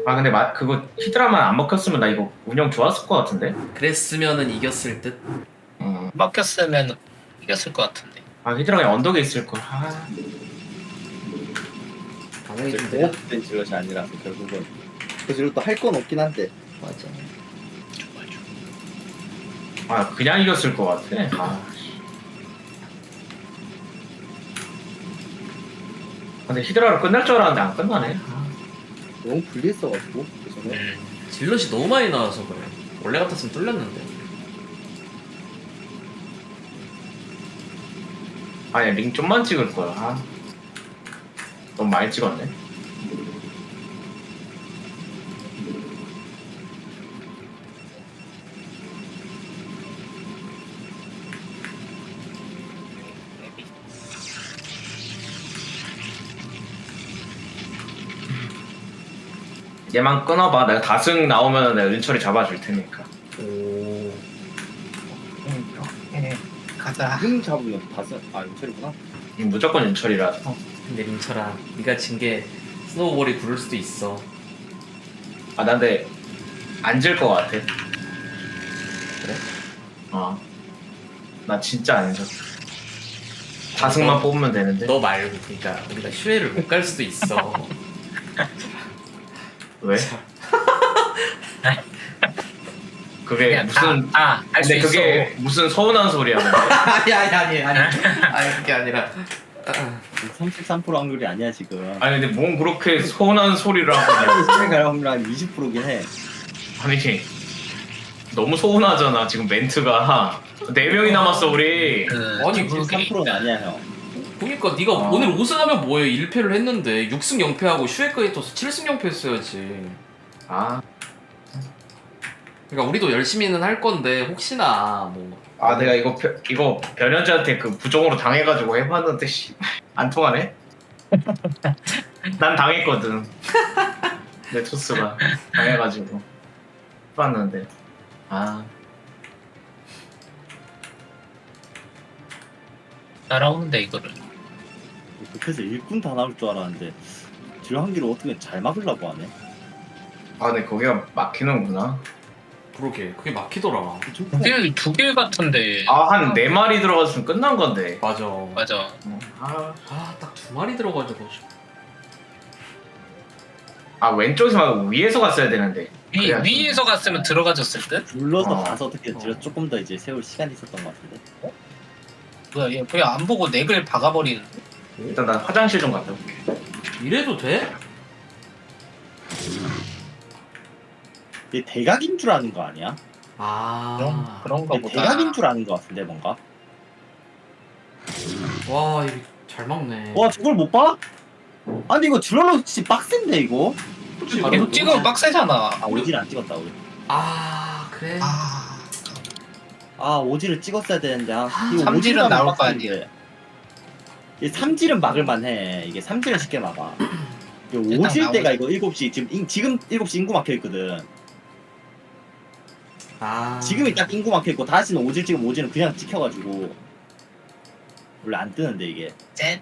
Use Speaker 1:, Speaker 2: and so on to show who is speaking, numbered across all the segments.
Speaker 1: 아 근데 그거 히드라만 안 먹혔으면 나 이거 운영 좋았을 것 같은데.
Speaker 2: 그랬으면은 이겼을 듯.
Speaker 3: 막혔으면 이겼을 것 같은데.
Speaker 1: 아 히드라 그냥 언덕에 있을 걸. 아.
Speaker 2: 당연히 좀 느려.
Speaker 4: 공업된 질럿이 아니라서 결국은 그 질럿도 할 건 없긴 한데.
Speaker 2: 맞아.
Speaker 1: 아 그냥 이겼을 것 같아. 아. 근데 히드라로 끝날 줄 알았는데 안 끝나네. 아.
Speaker 4: 너무 불리했어가지고 그전에.
Speaker 2: 질럿이 너무 많이 나와서 그래. 원래 같았으면 뚫렸는데.
Speaker 1: 아니 링 좀만 찍을 거야. 아. 너무 많이 찍었네. 얘만 끊어봐. 내가 다승 나오면 내가 은철이 잡아줄 테니까.
Speaker 2: 오.
Speaker 3: 가자.
Speaker 4: 지금 잡으면 다섯. 아 용철이구나.
Speaker 1: 무조건 은철이라서.
Speaker 2: 근데 민철아, 네가 진 게 스노우볼이 부를 수도 있어.
Speaker 1: 아 난데 앉을 것 같아.
Speaker 2: 그래?
Speaker 1: 어. 나 진짜 안 져. 다승만 뽑으면 되는데.
Speaker 2: 너 말고, 그러니까 우리가 슈에를 못 갈 수도 있어.
Speaker 1: 왜? 그게 무슨
Speaker 3: 할 수
Speaker 1: 근데
Speaker 3: 있어.
Speaker 1: 그게 무슨 서운한 소리야. 근데.
Speaker 2: 아니 그게 아니라.
Speaker 4: 33% 확률이 아니야 지금.
Speaker 1: 아니 근데 뭔 그렇게 서운한 소리를 하고 그냥.
Speaker 4: 갈 확률 한 20%긴 해.
Speaker 1: 아니 너무 서운하잖아 지금 멘트가. 4명이 남았어 우리.
Speaker 2: 아니,
Speaker 4: 33%는 아니야 형.
Speaker 2: 그러니까 네가 오늘 5승하면 뭐해? 1패를 했는데 6승 0패하고 슈에까지 떠서 7승 0패 했어야지.
Speaker 1: 아,
Speaker 2: 그러니까 우리도 열심히는 할 건데 혹시나 뭐.
Speaker 1: 아 내가 이거 변현재한테 그 부정으로 당해가지고 해봤는데 씨, 안 통하네. 난 당했거든. 내 토스가 당해가지고 해봤는데 아
Speaker 3: 날아오는데 이거를.
Speaker 4: 그래서 일꾼 다 나올 줄 알았는데 질럿 한 개를 어떻게 잘 막으려고 하네.
Speaker 1: 아 근데 거기가 막히는구나.
Speaker 2: 그러게 그게 막히더라.
Speaker 3: 두길 같은데.
Speaker 1: 아 한 4마리 들어갔으면 끝난 건데.
Speaker 2: 맞아.
Speaker 3: 맞아.
Speaker 2: 딱 2마리 들어가지고.
Speaker 1: 아 왼쪽에서 말고 위에서 갔어야 되는데. 그래야지.
Speaker 3: 위에서 갔으면 들어가졌을 듯?
Speaker 4: 눌러서 가서 어떻게 질럿 조금 더 이제 세울 시간이 있었던 것 같은데.
Speaker 3: 뭐야 얘 그냥 안 보고 넥을 박아버리는.
Speaker 1: 일단 난 화장실 좀 갔다 올게.
Speaker 2: 이래도 돼?
Speaker 4: 얘 대각인 줄 아는 거 아니야?
Speaker 3: 그런가
Speaker 4: 얘
Speaker 3: 보다.
Speaker 4: 대각인 줄 아는 거 같은데 뭔가.
Speaker 2: 와 이거 잘 막네.
Speaker 4: 와 저걸 못 봐? 아니 이거 질럿 진짜 빡센데 이거.
Speaker 3: 계속 찍으면 빡세잖아.
Speaker 4: 아 오지를 안 찍었다 우리.
Speaker 2: 그래.
Speaker 4: 아 오지를 찍었어야 되는데 이거
Speaker 3: 삼질은
Speaker 4: 오지를
Speaker 3: 나올 거
Speaker 4: 빡센데.
Speaker 3: 아니야.
Speaker 4: 이 삼질은 막을만해. 이게 삼질은 쉽게 막아. 이거
Speaker 3: 일단
Speaker 4: 오질 때가
Speaker 3: 나오지.
Speaker 4: 이거 7시 지금 7시 인구 막혀있거든. 지금이 딱 인구 막혀있고 다시는 오질 찍으면 오질은 그냥 찍혀가지고 원래 안 뜨는데 이게.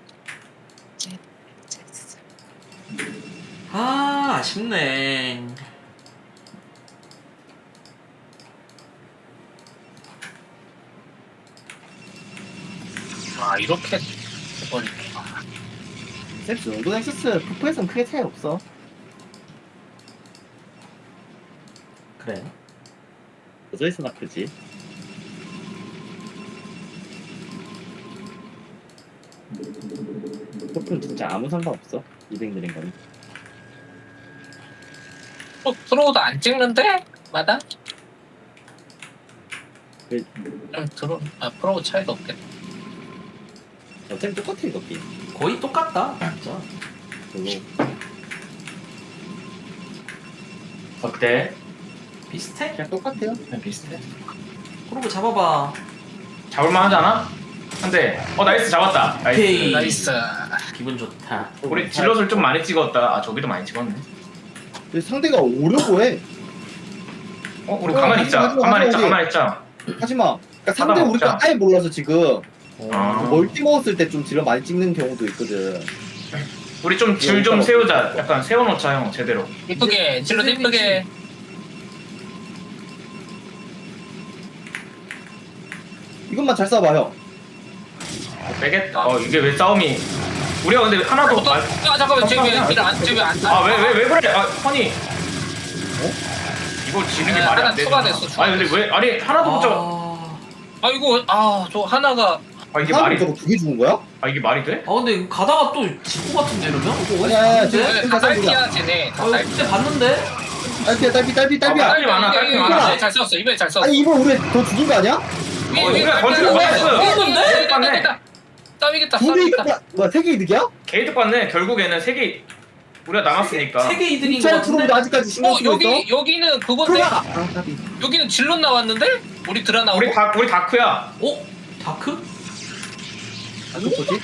Speaker 2: 아쉽네.
Speaker 3: 이렇게 해버리네.
Speaker 4: 섹스 용도 넥서스 푸프에서는 크게 차이 없어.
Speaker 2: 그래.
Speaker 4: 여자에서나 크지. 푸프는 진짜 아무 상관없어. 200 느린 거는.
Speaker 3: 프로도 안 찍는데? 마다?
Speaker 4: 그-
Speaker 3: 프로 차이가 없겠다.
Speaker 4: 어차피 똑같아 이거 게임.
Speaker 2: 거의 똑같다 진짜.
Speaker 4: 별로.
Speaker 1: 어때?
Speaker 2: 비슷해?
Speaker 4: 그냥 똑같아요.
Speaker 1: 그냥 비슷해.
Speaker 2: 그러고 잡아봐.
Speaker 1: 잡을만 하잖아? 근데 나이스 잡았다.
Speaker 2: 오케이.
Speaker 1: 나이스.
Speaker 3: 나이스.
Speaker 2: 기분 좋다.
Speaker 1: 우리 질럿을 좀 많이 찍었다. 아 저기도 많이 찍었네.
Speaker 4: 근데 상대가 오려고 해.
Speaker 1: 우리 가만히 있자.
Speaker 4: 하지마,
Speaker 1: 가만히 있자.
Speaker 4: 하지마,
Speaker 1: 가만히 있자.
Speaker 4: 하지마. 그러니까 상대
Speaker 1: 하다
Speaker 4: 우리가
Speaker 1: 먹자.
Speaker 4: 아예 몰라서 지금
Speaker 1: 아.
Speaker 4: 멀티 먹었을 때 좀 질러 많이 찍는 경우도 있거든.
Speaker 1: 우리 좀 줄 좀 세우자. 약간 세워놓자 형 제대로.
Speaker 3: 이쁘게 질러 이쁘게.
Speaker 4: 이것만 잘 쏴봐 형.
Speaker 1: 빼겠다. 이게 왜 싸움이? 우리가 근데 하나도
Speaker 3: 아 잠깐만 쟤왜안
Speaker 1: 아왜 그래? 허니. 이거 지는 게
Speaker 3: 네,
Speaker 1: 말이
Speaker 3: 하나
Speaker 1: 안 되잖아.
Speaker 3: 추가됐어,
Speaker 1: 아니 근데 왜 아니 하나도 못 잡아.
Speaker 3: 이거 저 하나가
Speaker 1: 이게
Speaker 4: 하나
Speaker 1: 말이
Speaker 4: 저거 두개 죽은 거야?
Speaker 1: 이게 말이 돼?
Speaker 2: 아 근데 이거 가다가 또 직구 같은데 이러면? 이거 어디서
Speaker 4: 야,
Speaker 2: 봤는데?
Speaker 3: 다 딸피야 쟤네. 다
Speaker 2: 아 이거
Speaker 3: 딸피.
Speaker 2: 그때 봤는데?
Speaker 4: 딸피야.
Speaker 1: 딸피 많아, 딸피 많아.
Speaker 3: 이번에 잘 썼어. 이번에 잘 썼어.
Speaker 4: 아니 이번 우리 더 죽은 거 아니야?
Speaker 1: 우리가 건축을 못했어.
Speaker 2: 이건데?
Speaker 3: 싸우겠다.
Speaker 4: 두개 이득 뭐야 세개 이득이야?
Speaker 1: 게이트 봤네. 결국에는 세 개 우리가 남았으니까.
Speaker 2: 세개 이득인 거
Speaker 4: 잘
Speaker 2: 같은데?
Speaker 4: 들어오는데 아직까지 신경 쓰고 있어?
Speaker 3: 여기는 그건데.
Speaker 4: 들어가. 까비.
Speaker 3: 여기는 질럿 나왔는데? 우리 드라 나오고.
Speaker 1: 우리 다크야.
Speaker 2: 어? 다크?
Speaker 4: 안 좋지?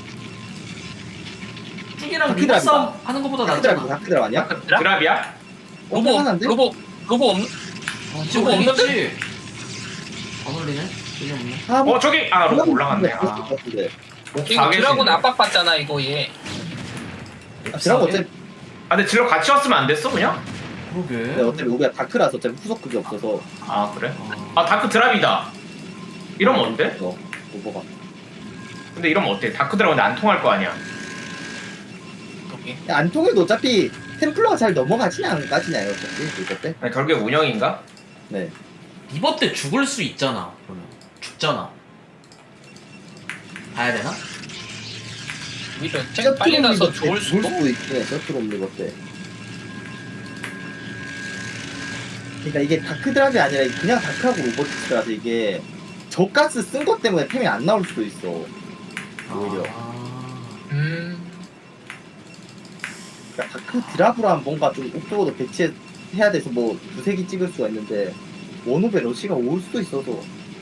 Speaker 2: 쭉이랑
Speaker 4: 다크드랍이다.
Speaker 2: 리버 싸움 하는 것보다 낫잖아.
Speaker 4: 다크드랍 아니야?
Speaker 3: 드라?
Speaker 1: 드랍이야?
Speaker 3: 로보
Speaker 4: 하나인데?
Speaker 3: 로보 없는.
Speaker 2: 지금
Speaker 3: 저거
Speaker 2: 올리지? 안 올리네? 전혀 없네.
Speaker 4: 뭐
Speaker 1: 저기 로고 올라갔네.
Speaker 3: 이거 드라곤 압박받잖아 이거 얘.
Speaker 4: 드라고 어차피
Speaker 1: 근데 질러 같이 왔으면 안 됐어 그냥?
Speaker 2: 그러게.
Speaker 4: 어차피 우리가 다크라서 어차피 후속 그게 없어서
Speaker 1: 그래? 다크 드랍이다. 이러면 어때?
Speaker 4: 오버가.
Speaker 1: 근데 이러면 어때? 다크 드랍인데 안 통할 거 아니야.
Speaker 3: 여기.
Speaker 4: 안 통해도 어차피 템플러가 잘 넘어가지냐 안 가지냐요 어차피 이거 때.
Speaker 1: 아니, 결국에 운영인가?
Speaker 4: 네.
Speaker 2: 리버 때 죽을 수 있잖아. 그러면 죽잖아. 봐야 되나?
Speaker 3: 오히려 쟤 빨리 가서 좋을 수도.
Speaker 4: 있네. 셔틀 옵는 것 때. 그러니까 이게 다크드랍이 아니라 그냥 다크하고 로보틱스라서 이게 저가스 쓴 것 때문에 템이 안 나올 수도 있어. 오히려. 그러니까 다크 드랍으로 뭔가 좀 옥토버도 배치해야 돼서 뭐 두세 개 찍을 수가 있는데 원오베 러시가 올 수도 있어서.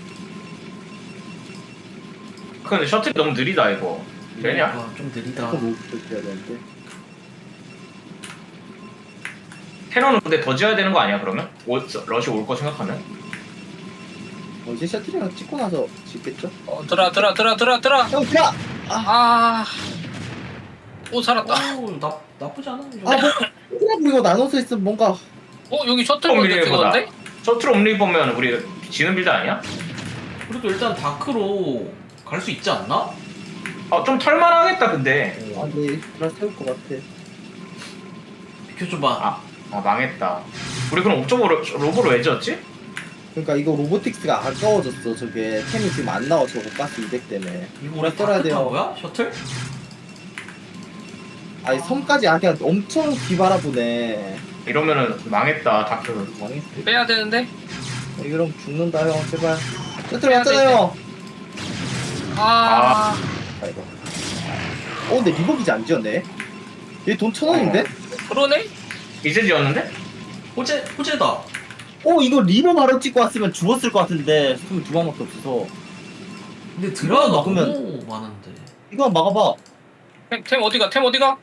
Speaker 1: 근데 셔틀이 너무 느리다 이거. 되냐?
Speaker 2: 좀 느리다.
Speaker 4: 조금 해야 되는데.
Speaker 1: 테너는 근데 더 지어야 되는 거 아니야 그러면? 러시 올 거 생각하면?
Speaker 4: 이제 셔틀이랑 찍고 나서 짓겠죠?
Speaker 3: 드라.
Speaker 4: 형 드랍!
Speaker 3: 오 살았다.
Speaker 2: 오, 나쁘지 않아.
Speaker 4: 뭐 드랍 이거 나눠서 있으면 뭔가
Speaker 3: 여기 셔틀 먼저
Speaker 1: 미래보다.
Speaker 3: 찍었는데?
Speaker 1: 셔틀 옴리 보면 우리 지는 빌드 아니야?
Speaker 2: 그래도 일단 다크로 갈 수 있지 않나?
Speaker 1: 좀 털만하겠다 근데.
Speaker 4: 네 드랍 세울 것 같아.
Speaker 2: 비켜줘봐.
Speaker 1: 망했다. 우리 그럼 옥저버로 로보로 왜 지었지?
Speaker 4: 그러니까 이거 로보틱스가 아까워졌어. 저게 템이 지금 안 나와. 저거 가스 200 때문에.
Speaker 2: 이거
Speaker 4: 뭐라
Speaker 2: 우리
Speaker 4: 써야
Speaker 2: 다크
Speaker 4: 돼요?
Speaker 2: 탄 거야? 셔틀?
Speaker 4: 아니 섬까지 그냥 엄청 뒤바라보네.
Speaker 1: 이러면은 망했다 다크.
Speaker 4: 망했어.
Speaker 3: 빼야 되는데?
Speaker 4: 이러면 죽는다 형 제발. 셔틀 왔잖아요. 아이고. 근데 리버기지 안 지었네. 얘 돈 1,000원인데?
Speaker 3: 그러네?
Speaker 1: 이제 지었는데?
Speaker 2: 호재다.
Speaker 4: 이거 리버 바로 찍고 왔으면 죽었을 것 같은데 스톰이 두 방밖에 없어서.
Speaker 2: 근데 드라가
Speaker 4: 먹으면-
Speaker 2: 너무 많은데.
Speaker 4: 이거 한번 막아봐.
Speaker 3: 템 어디가?
Speaker 1: 어디가?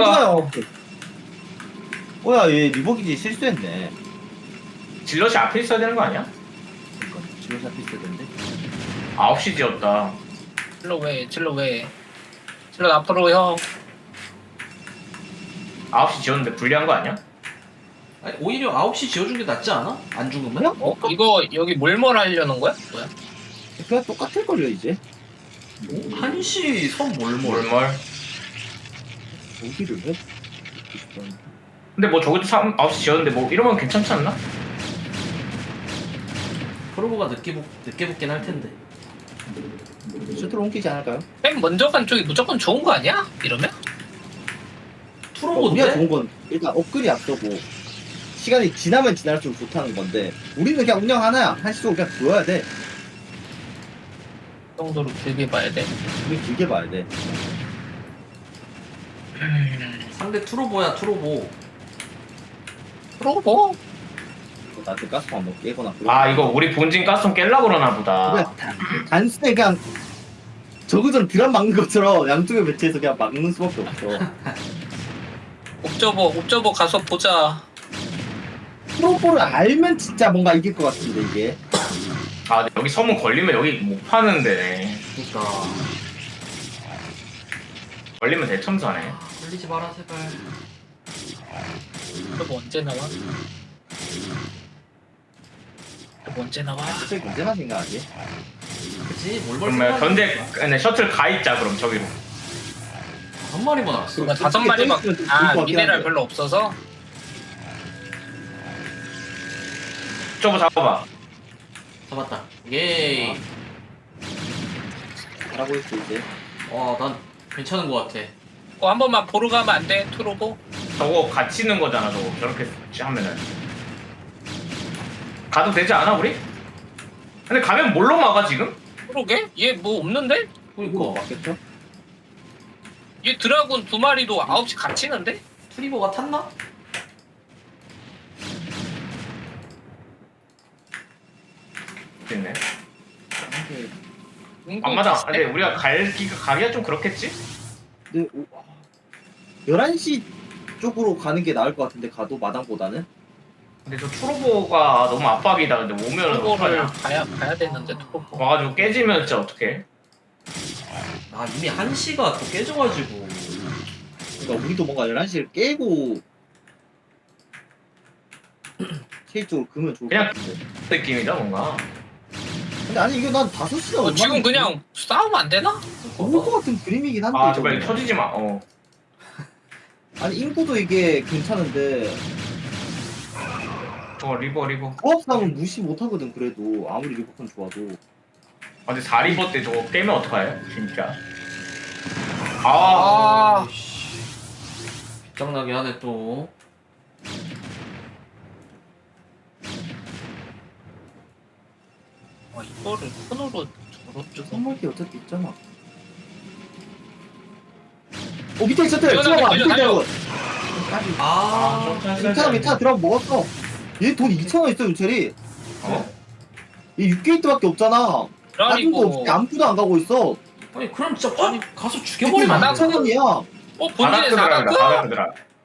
Speaker 4: 얘 리버기지 실수했네.
Speaker 1: 질럿이 앞에 있어야 되는 거 아니야?
Speaker 4: 그러니까 질러 잡힐 때 된대.
Speaker 1: 9시 지었다.
Speaker 3: 질러 왜? 질러 앞으로 형.
Speaker 1: 9시 지었는데 불리한 거 아니야?
Speaker 2: 아니, 오히려 9시 지어준 게 낫지 않아? 안 죽으면?
Speaker 3: 이거 여기 몰몰 하려는 거야? 뭐야?
Speaker 4: 그냥 똑같을걸요 이제.
Speaker 2: 1시 선 몰몰.
Speaker 1: 몰몰.
Speaker 4: 어디를 해?
Speaker 1: 근데 뭐 저기도 9시 지었는데 뭐 이러면 괜찮지 않나?
Speaker 2: 프로보가 늦게 붙긴 할 텐데.
Speaker 4: 셔틀 옮기지 않을까요?
Speaker 3: 템 먼저 간 쪽이 무조건 좋은 거 아니야? 이러면?
Speaker 4: 우리가
Speaker 2: 투로보인데?
Speaker 4: 좋은 건 일단 업글이 앞서고 시간이 지나면 지날수록 좋다는 건데 우리는 그냥 운영 하나야. 한시적으로 그냥 보여야 돼.
Speaker 3: 그 정도로 길게 봐야 돼.
Speaker 4: 우리 길게 봐야 돼.
Speaker 2: 상대 투로보야 투로보.
Speaker 3: 그러고 뭐?
Speaker 4: 나한테 가스 한번 깨거나.
Speaker 1: 이거 우리 본진 가스통 깰라 그러나 보다.
Speaker 4: 그냥 단순히 그냥 저그전 드랍 막는 것처럼 양쪽에 배치해서 그냥 막는 수밖에 없어.
Speaker 3: 옵저버 가서 보자.
Speaker 4: 프로볼을 알면 진짜 뭔가 이길 것 같은데 이게.
Speaker 1: 근데 여기 서문 걸리면 여기 못 파는 데네.
Speaker 2: 그니까.
Speaker 1: 걸리면 대첨사네.
Speaker 2: 돌리지 마라 제발.
Speaker 3: 그럼 언제 나와? 그럼 언제 나와?
Speaker 4: 저기 언제나 생각하지?
Speaker 2: 그치? 뭘벌
Speaker 1: 그러면 견제 근데 셔틀 가 있자 그럼 저기로.
Speaker 2: 한 마리만 왔어.
Speaker 3: 그러니까 5마리밖에
Speaker 4: 좀 좋을
Speaker 3: 아
Speaker 4: 것 같긴
Speaker 3: 미네랄
Speaker 4: 한데.
Speaker 3: 별로 없어서
Speaker 1: 저거 잡아봐.
Speaker 2: 잡았다. 예이.
Speaker 4: 잘하고 있어 이제.
Speaker 2: 난 괜찮은 것 같아.
Speaker 3: 한 번만 보러 가면 안 돼? 투로보?
Speaker 1: 저거 갇히는 거잖아 저거. 저렇게 하면은. 가도 되지 않아 우리? 근데 가면 뭘로 막아 지금?
Speaker 3: 그러게? 얘 뭐 없는데?
Speaker 4: 이거
Speaker 2: 그니까
Speaker 4: 맞겠죠?
Speaker 3: 얘 드라군 2마리도 9시 갇히는데?
Speaker 2: 트리버가 탔나?
Speaker 1: 됐네.
Speaker 4: 근데,
Speaker 1: 앞마당. 근데 우리가 가기가 좀 그렇겠지?
Speaker 4: 근데 11시 쪽으로 가는 게 나을 것 같은데 가도 마당보다는?
Speaker 1: 근데 저 트로보가 너무 압박이다. 근데 오면은
Speaker 3: 투로보를
Speaker 1: 어떡하냐?
Speaker 3: 가야 되는데 투로보
Speaker 1: 와가지고 깨지면 진짜 어떡해?
Speaker 2: 이미 1시가 또 깨져가지고.
Speaker 4: 그러니까 우리도 뭔가 11시를 깨고 체이쪽으로 그면 좋을 것
Speaker 1: 그냥
Speaker 4: 같은데.
Speaker 1: 느낌이다 뭔가.
Speaker 4: 근데 아니 이거 난 5시가
Speaker 3: 지금 그냥 싸우면 안 되나?
Speaker 4: 올것 같은 그림이긴 한데
Speaker 1: 아 제발
Speaker 4: 저거.
Speaker 1: 터지지 마.
Speaker 4: 아니 인구도 이게 괜찮은데
Speaker 1: 저거 리버.
Speaker 4: 조합상은 무시 못하거든. 그래도 아무리 리버컨 좋아도.
Speaker 1: 아, 근데 4리버 때 저거 깨면 어떡해? 진짜.
Speaker 3: 아
Speaker 2: 빗장나게 하네 또.
Speaker 3: 이거를 손으로 저렇게
Speaker 4: 선물기 어차피 있잖아. 밑에 셔틀
Speaker 3: 뛰어나게
Speaker 4: 들어가. 밑에
Speaker 3: 뛰어다녀.
Speaker 4: 들어가. 괜찮아 들어가 먹었어. 얘 돈 2,000원 있어 윤철이.
Speaker 1: 어?
Speaker 4: 얘 6게이트밖에 없잖아. 다른 거
Speaker 3: 그러니까
Speaker 4: 없이 아무도 안 가고 있어.
Speaker 2: 아니 그럼 진짜 확 가서 죽여버리면 안
Speaker 3: 바닥
Speaker 2: 돼?
Speaker 4: 4,000원이야.
Speaker 3: 본진에
Speaker 1: 바닥
Speaker 3: 사갖고
Speaker 1: 들어가.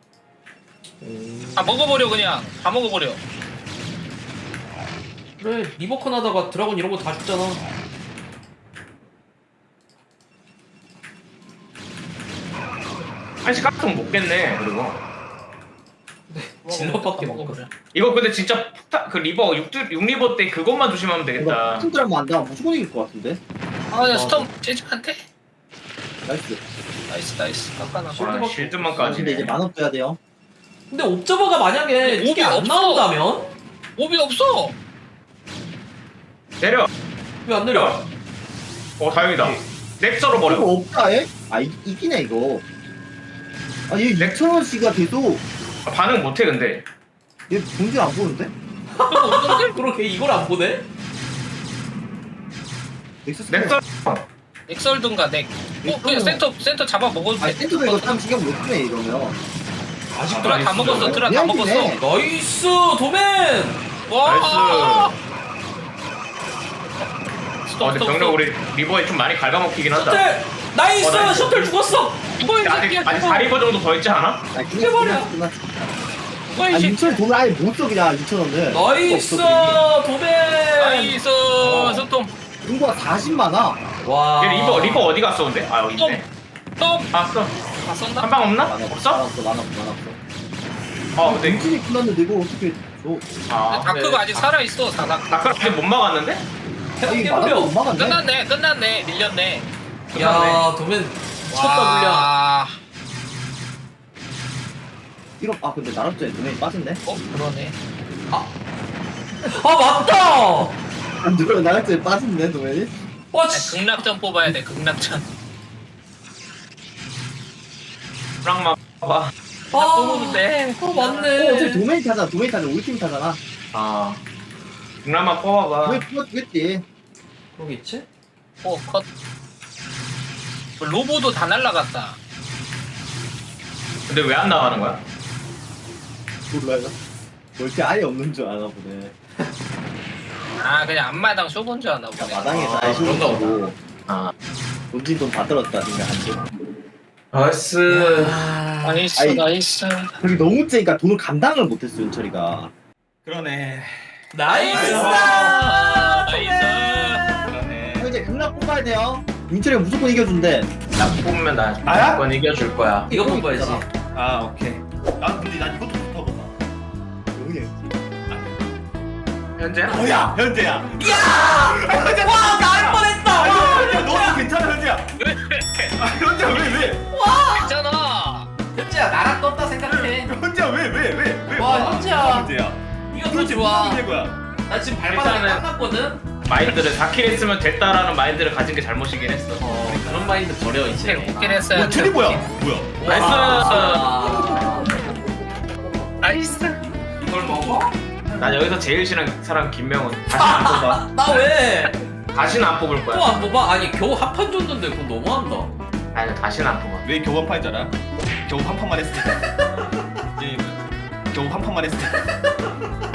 Speaker 3: 다 먹어버려 그냥 다 먹어버려
Speaker 2: 그래 리버컨 하다가 드라곤 이런 거 다 죽잖아.
Speaker 1: 한시 깎으면 못 깼네. 그리고
Speaker 2: 질럿밖에
Speaker 3: 다
Speaker 2: 못
Speaker 3: 먹어버려.
Speaker 1: 이거 근데 진짜 폭탄 그 리버 6리버 때 그것만 조심하면 되겠다.
Speaker 4: 팀들하면 안 나면 무조건 이길 것 같은데.
Speaker 3: 그냥 스톰 재직한테
Speaker 4: 나이스.
Speaker 3: 나이스 깎아놔봐
Speaker 1: 아,
Speaker 4: 근데
Speaker 1: 실드만까지네.
Speaker 4: 이제 만원 떠야 돼요.
Speaker 2: 근데 옵저버가 만약에
Speaker 3: 옵이
Speaker 2: 이게 안
Speaker 3: 없어.
Speaker 2: 나온다면
Speaker 3: 옵이 없어
Speaker 1: 내려.
Speaker 2: 왜 안 내려?
Speaker 1: 다행이다. 넥서로 버려.
Speaker 4: 이거 없다 얘? 이기네 이거. 얘 6,000원씩가 돼도
Speaker 1: 반응 못해 근데.
Speaker 4: 얘 본질 안 보는데?
Speaker 2: 그렇게 이걸 안 보네?
Speaker 4: 넥서스
Speaker 1: 넥서.
Speaker 3: 넥설든가 넥 그냥 센터 잡아 먹어도 돼
Speaker 4: 센터도 이거 참 신경 못 쓰네 이러면.
Speaker 3: 드라 다 먹었어 드라 다
Speaker 4: 그냥
Speaker 3: 먹었어
Speaker 4: 기네.
Speaker 2: 나이스 도맨!
Speaker 3: 와
Speaker 1: 근데 병력 우리 리버에 좀 많이 갉아먹히긴 한다.
Speaker 2: 셔틀! 나이스!
Speaker 1: 나이스.
Speaker 2: 셔틀 죽었어!
Speaker 3: 이거 이
Speaker 1: 아직
Speaker 3: 새끼야
Speaker 1: 4리버 정도 더 있지 않아?
Speaker 2: 해버려.
Speaker 3: 이거 이 새끼야
Speaker 4: 6,000원 돈을 아예 못 써 그냥 6,000원을.
Speaker 2: 나이스 도맨!
Speaker 3: 나이스 스톰
Speaker 4: 인구가 40만화.
Speaker 2: 와.
Speaker 1: 얘 리버 어디 갔어 근데? 여기 있네.
Speaker 3: 스톰
Speaker 1: 봤어.
Speaker 3: 다 썼나?
Speaker 1: 한 방 없나?
Speaker 4: 많았어.
Speaker 1: 없어? 근데
Speaker 4: 인진이 끝났는데 이거 어떻게 줘?
Speaker 3: 다크가 아직 살아있어 다크
Speaker 1: 다크를 아직 못 막았는데?
Speaker 2: 태국
Speaker 4: 마당도
Speaker 2: 깨버려!
Speaker 4: 못 막았네.
Speaker 3: 끝났네 밀렸네
Speaker 2: 야 도맨 미쳤다 물량.
Speaker 3: 와
Speaker 4: 이런 근데 나락전에 눈에 빠졌네.
Speaker 3: 그러네
Speaker 2: 아 맞다!
Speaker 4: 안 들어 나락전에 빠졌네 도면이.
Speaker 2: 와 씨.
Speaker 3: 극락전 뽑아야 돼 극락전
Speaker 1: 브랑마 봐봐.
Speaker 3: 뽑는데
Speaker 2: 맞네.
Speaker 4: 어차피 도메인 타잖아. 우리 팀 타잖아.
Speaker 1: 브랑마 뽑아봐.
Speaker 4: 왜 그거 죽겠지?
Speaker 2: 그러겠지?
Speaker 3: 컷 로보도 다 날라갔다
Speaker 1: 근데 왜 안 나가는 거야?
Speaker 4: 몰라요. 멀티 아예 없는 줄 아나 보네.
Speaker 3: 그냥 앞마당 쇼본 줄 아나 보네
Speaker 4: 마당에서 아예
Speaker 1: 그런가
Speaker 4: 쇼고
Speaker 1: 아.
Speaker 4: 본진 돈 다 들었다 생각한지.
Speaker 1: 나이스.
Speaker 3: 나이스
Speaker 4: 아이.
Speaker 3: 나이스
Speaker 4: 그게 너무 세니까 돈을 감당을 못했어 윤철이가.
Speaker 1: 그러네.
Speaker 2: 나이스!
Speaker 3: 나이스
Speaker 1: 그러네.
Speaker 4: 이제 극락 뽑아야 돼요. 민철이가 무조건 이겨준대.
Speaker 1: 나 뽑으면 나
Speaker 5: 나야?
Speaker 1: 무조건 이겨줄 거야.
Speaker 2: 이거 뽑아야지.
Speaker 5: 아 오케이. 난 근데 난 이것도 좋다고 봐.
Speaker 4: 여기
Speaker 1: 현재?
Speaker 5: 뭐야 현재야.
Speaker 2: 야! 와, 나할 뻔했다.
Speaker 5: 야 너도 괜찮아 현재야. 아 현재야 왜?
Speaker 3: 있잖아.
Speaker 2: 현재야, 나랑 떴다 생각해.
Speaker 5: 현재야 왜?
Speaker 2: 와, 현재야.
Speaker 5: 현재야.
Speaker 2: 이거 더
Speaker 5: 도대체
Speaker 2: 좋아.
Speaker 5: 무슨 거야?
Speaker 2: 나 지금 발바닥에
Speaker 1: 일단은-
Speaker 2: 깎았거든.
Speaker 1: 마인드를 4킬 했으면 됐다라는 마인드를 가진 게 잘못이긴 했어.
Speaker 2: 그런 마인드 버려 이제.
Speaker 3: 웃긴 했어요.
Speaker 5: 트리 뭐야? 뭐야?
Speaker 1: 나이스!
Speaker 2: 와.
Speaker 3: 나이스.
Speaker 2: 이걸 먹어?
Speaker 1: 난 여기서 제일 싫은 사람 김명훈. 다시는 안 뽑아.
Speaker 2: 나 왜?
Speaker 1: 다시는 안 뽑을
Speaker 2: 또
Speaker 1: 거야.
Speaker 2: 안 뽑아? 아니 겨우 합판 줬는데 그거 너무한다.
Speaker 1: 아니 다시는 안 뽑아.
Speaker 5: 왜 겨우 한 판인 줄 알아? 겨우 한 판만 했으니까. 게임은 겨우 한 판만 했으니까.